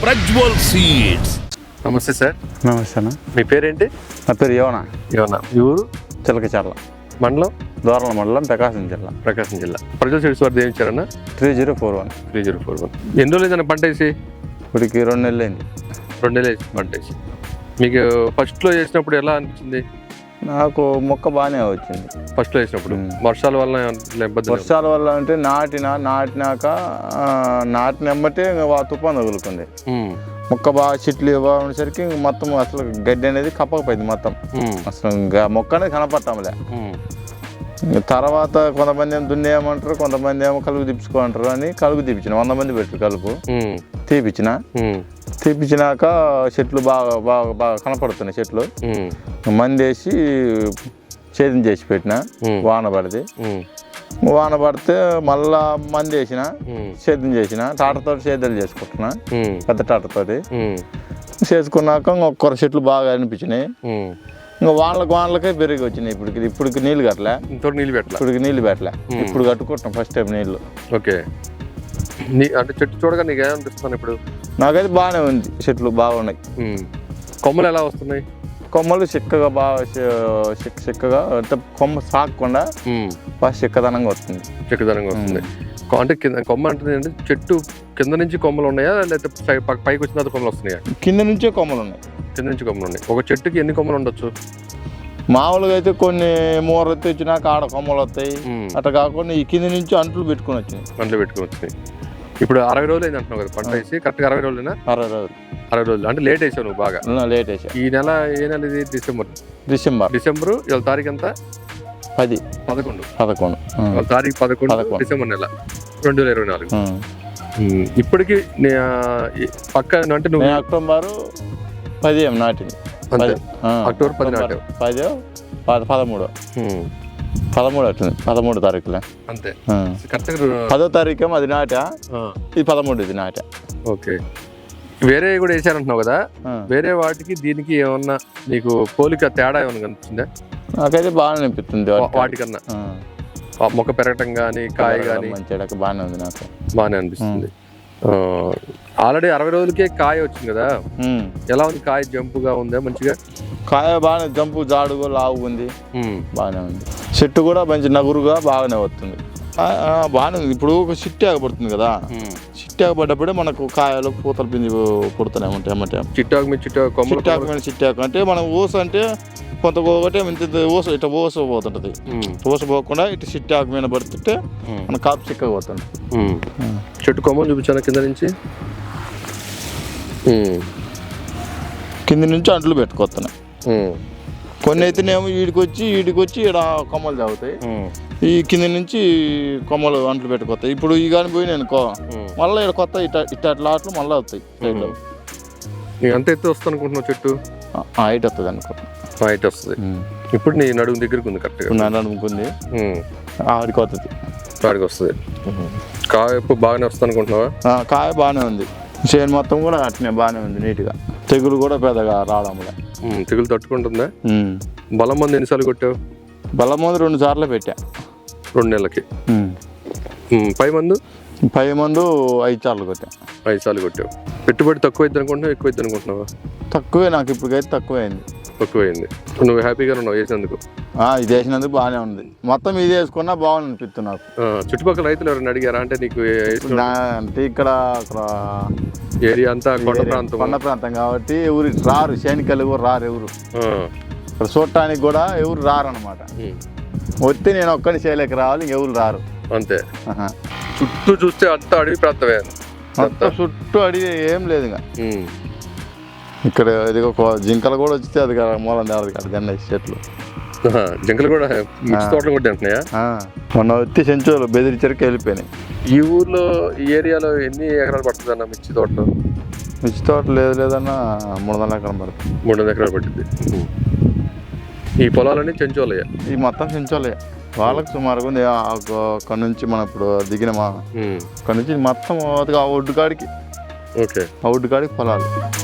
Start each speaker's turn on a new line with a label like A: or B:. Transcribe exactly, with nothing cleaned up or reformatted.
A: Prajwal seeds.
B: నమస్తే sir.
C: నమస్తే అన్న.
B: మీ పేరేంటి?
C: నా పేరు యోనా.
B: యోనా. ఈ ఊరు?
C: చిలకచర్ల
B: మండలం?
C: దోరల మండలం, ప్రకాశం జిల్లా.
B: ప్రకాశం జిల్లా. ప్రజ్వల్ సీడ్స్ వారు దేవించారన్నా?
C: Three zero four one
B: three zero four one ఎన్ని రోజులు ఏదైనా పంట వేసి?
C: ఇప్పటికి రెండు నెలలు అయింది.
B: రెండు నెలలు వేసి పంట వేసి. మీకు ఫస్ట్లో వేసినప్పుడు ఎలా అనిపించింది?
C: నాకు మొక్క బాగానే వచ్చింది
B: ఫస్ట్లో వేసినప్పుడు. వర్షాల వల్ల ఇబ్బంది?
C: వర్షాల వల్ల అంటే నాటిన నాటినాక నాటిన వెంబటే తుఫాను తగులుకుంది. మొక్క బాగా చెట్లు ఇవ్వసరికి మొత్తం అసలు గడ్డి అనేది కప్పకపోయింది మొత్తం. అసలు మొక్క అనేది కనపడటంలే. తర్వాత కొంతమంది ఏమో దున్నేయమంటారు, కొంతమంది ఏమో కలుపు తీపించుకోమంటారు అని కలుపు తీపించిన. వంద మంది పెట్టారు కలుపు తీపించిన. తీపించినాక చెట్లు బాగా బాగా బాగా కనపడుతున్నాయి. చెట్లు మంది వేసి సేద్యం చేసి పెట్టిన. వాన పడితే వాన పడితే మళ్ళా మంది వేసిన, సేద్యం చేసిన. టాటతో సేద్యాలు చేసుకుంటున్నా, పెద్ద టాటతోటి చేసుకున్నాక ఒక్కొక్క చెట్లు బాగా అనిపించినాయి. ఇంకా వాళ్ళకి వాళ్ళకే పెరిగి వచ్చినాయి. ఇప్పుడు ఇప్పటికి నీళ్ళు కట్టలే.
B: నీళ్ళు పెట్టలే
C: ఇప్పటికి నీళ్ళు పెట్టలే. ఇప్పుడు కట్టుకుంటున్నాం ఫస్ట్ టైం నీళ్ళు.
B: ఓకే. అంటే చెట్టు చూడగా నీకు ఏమనిపిస్తుంది ఇప్పుడు?
C: నాకైతే బాగానే ఉంది. చెట్లు బాగున్నాయి.
B: కొమ్మలు ఎలా వస్తున్నాయి?
C: కొమ్మలు చిక్కగా బాగా చిక్క చిక్కగా అంటే కొమ్మ సాగకుండా బాగా చిక్కదనంగా వస్తుంది.
B: చిక్కదనంగా వస్తుంది. అంటే కింద కొమ్మ అంటే అంటే చెట్టు కింద నుంచి కొమ్మలు ఉన్నాయా లేకపోతే పైకి వచ్చిన తర్వాత కొమ్మలు వస్తున్నాయా?
C: కింద నుంచే కొమ్మలు ఉన్నాయి.
B: కింద నుంచి కొమ్మలు ఉన్నాయి. ఒక చెట్టుకి ఎన్ని కొమ్మలు ఉండొచ్చు?
C: మామూలుగా అయితే కొన్ని మూర తెచ్చినాక ఆడ కొమ్మలు వస్తాయి. అట్లా కాకుండా ఈ కింద నుంచి అంట్లు పెట్టుకుని వచ్చినాయి.
B: అంట్లు పెట్టుకుని వచ్చినాయి. ఇప్పుడు అరవై రోజులు అయింది అంటున్నావు కదా పంట వేసి? కరెక్ట్గా అరవై రోజులేనా?
C: అరవై రోజులు.
B: అరవై రోజులు అంటే లేట్ వేసావు నువ్వు బాగా.
C: లేట్ వేసా.
B: ఈ నెల ఏ నెల ఇది? డిసెంబర్.
C: డిసెంబర్
B: డిసెంబర్ ఇవాళ తారీఖు ఎంత?
C: పది
B: పదకొండు
C: పదకొండు
B: తారీఖు పదకొండు డిసెంబర్ నెల రెండు వేల ఇరవై నాలుగు. ఇప్పటికి పక్క అంటే నువ్వు
C: అక్టోబర్ పది ఏం నాటింది.
B: అక్టోబర్ పది నాటావు.
C: పది పదమూడు పదమూడు అవుతుంది. పదమూడు తారీఖులే
B: అంతే. కరెక్ట్గా
C: పదో తారీఖు అది నాటా. ఇది పదమూడు ఇది నాటా.
B: ఓకే. వేరే కూడా వేసారంటున్నావు కదా, వేరే వాటికి దీనికి ఏమన్నా నీకు పోలిక తేడా ఏమన్నా కనిపించిందా?
C: నాకైతే బాగానే అనిపిస్తుంది.
B: వాటికన్నా మొక్క పెరగటం కానీ కాయ కానీ
C: మంచి బాగానే ఉంది. నాకు
B: బాగానే అనిపిస్తుంది. ఆల్రెడీ అరవై రోజులకే కాయ వచ్చింది కదా, ఎలా ఉంది కాయ? జంపుగా ఉందా మంచిగా?
C: కాయ బాగానే జంపు జాడుగా లావు ఉంది. బాగానే ఉంది. చెట్టు కూడా మంచి నగురుగా బాగానే వస్తుంది. బాగానే ఉంది. ఇప్పుడు ఒక చిట్టి ఆగపడుతుంది కదా, చిట్టి ఆగపడ్డప్పుడే మనకు కాయలు పూతలు పిండి పుడుతూనే ఉంటాయి అన్నమాట.
B: చిట్టాకు మీద చిట్టాకు
C: చిట్టాకు మీద చిట్టాకు అంటే మనం ఊస అంటే కొంత ఒకటే ఇంత ఊస ఇట్లా ఊస పోతుంటది. ఊస పోకుండా ఇటు చిట్టాకు మీద పడుతుంటే మన కాపు చిక్కగా పోతుంది.
B: చెట్టు కొమ్మలు చూపించాను కింద నుంచి.
C: కింద నుంచి అంట్లు పెట్టుకొస్తున్నాయి. కొన్ని అయితేనేమో వీడికి వచ్చి వీడికి వచ్చి ఇక్కడ కొమ్మలు తాగుతాయి. ఈ కింద నుంచి కొమ్మలు అంట్లు పెట్టుకొస్తాయి. ఇప్పుడు ఈ కానీ పోయినాయి అనుకో మళ్ళీ ఇక్కడ కొత్త ఇట ఇట్ట అట్లు మళ్ళీ వస్తాయి.
B: ఎంత ఎత్తు వస్తుంది అనుకుంటున్నావు చెట్టు?
C: హైట్ వస్తుంది అనుకో.
B: హైట్ వస్తుంది. ఇప్పుడు నీ నడుము దగ్గరికి ఉంది కరెక్ట్గా.
C: నా నడుముకుంది. ఆడికి వస్తుంది.
B: ఆడికి వస్తుంది. కాయ ఎప్పుడు బాగానే వస్తుంది అనుకుంటున్నావా?
C: కాయ బాగానే ఉంది. చేను మొత్తం కూడా అట్నే బాగానే ఉంది నీట్గా. తెగులు కూడా పెద్దగా రావడం.
B: తెగులు తట్టుకుంటుందా? బలం మంది ఎన్నిసార్లు కొట్టావు?
C: బలం మందు రెండు సార్లు పెట్టా.
B: రెండు నెలలకి. పై మందు?
C: పై మందు ఐదు సార్లు కొట్టా.
B: ఐదు సార్లు కొట్టావు. పెట్టుబడి తక్కువ అయింది అనుకుంటున్నావు ఎక్కువ అయింది అనుకుంటున్నావా?
C: తక్కువే. నాకు ఇప్పటికైతే తక్కువైంది.
B: తక్కువైంది. నువ్వు హ్యాపీగా ఉన్నావు వేసినందుకు?
C: ఇది వేసినందుకు బాగానే ఉంది. మొత్తం ఇది వేసుకున్నా బాగుంది అనిపిస్తుంది నాకు.
B: చుట్టుపక్కల రైతులు ఎవరైనా అడిగారా? అంటే నీకు
C: అంటే ఇక్కడ
B: ఏరియా అంతా కొండ ప్రాంతం.
C: కొండ ప్రాంతం కాబట్టి ఎవరు రారు. సైనికులు ఎవరు రారు. ఎవరు ఇక్కడ చూడటానికి కూడా ఎవరు రారు అనమాట. వస్తే నేను ఒక్కడిని చేయలేక రావాలి, ఎవరు రారు.
B: అంతే. చుట్టూ చూస్తే అంతా అడవి ప్రాంతమే.
C: అంతా చుట్టూ అడవి ఏం లేదు. ఇక్కడ ఇది ఒక జింకలు కూడా వచ్చితే అది మూలం దేవది కాదు గన్న చెట్లు.
B: జింకలు కూడా మిర్చి తోటలు కూడా తింటున్నాయా?
C: మొన్న వచ్చి చెంచులు బెదిరించరికి వెళ్ళిపోయినాయి.
B: ఈ ఊర్లో ఈ ఏరియాలో ఎన్ని ఎకరాలు పడుతుంది అన్న మిర్చి తోటలు?
C: మిర్చి తోట లేదు లేదన్నా మూడు వందల ఎకరాలు పడుతుంది.
B: మూడు వందల ఎకరాలు పడుతుంది. ఈ పొలాలన్నీ చెంచోలయ్యా?
C: ఈ మొత్తం చెంచోలయ్యా. వాళ్ళకి సుమారుగా ఉంది. అక్కడ నుంచి మనం ఇప్పుడు దిగిన మా అక్కడ నుంచి మొత్తం ఆ ఒడ్డు కాడికి.
B: ఓకే.
C: ఆ ఒడ్డు కాడికి పొలాలు.